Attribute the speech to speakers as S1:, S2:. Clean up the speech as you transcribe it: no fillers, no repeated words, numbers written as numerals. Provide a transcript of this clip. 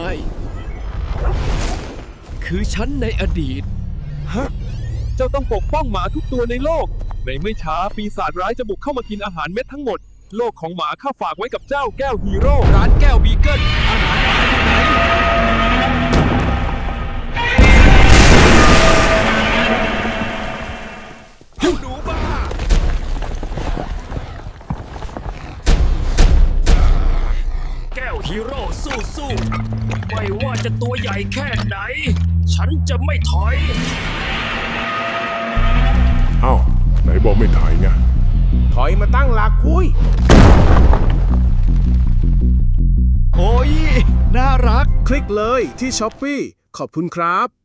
S1: ายคือฉันในอดีต
S2: ฮะเจ้าต้องปกป้องหมาทุกตัวในโลกในไม่ช้าปีศาจร้ายจะบุกเข้ามากินอาหารเม็ดทั้งหมดโลกของหมาข้าฝากไว้กับเจ้าแก้วฮีโร่
S1: ร้านแก้วบีเกิลอาหารหมาอยู่ไหนเจ้าหนูบ้าแก้วฮีโร่สู้ๆไม่ว่าจะตัวใหญ่แค่ไหนฉันจะไม่ถอย
S3: อ้าวไหนบอกไม่ถ่ายไง
S4: ถอยมาตั้งหลักคุย
S1: โอ้ยน่ารัก
S4: คลิกเลยที่ช้อปปี้ขอบคุณครับ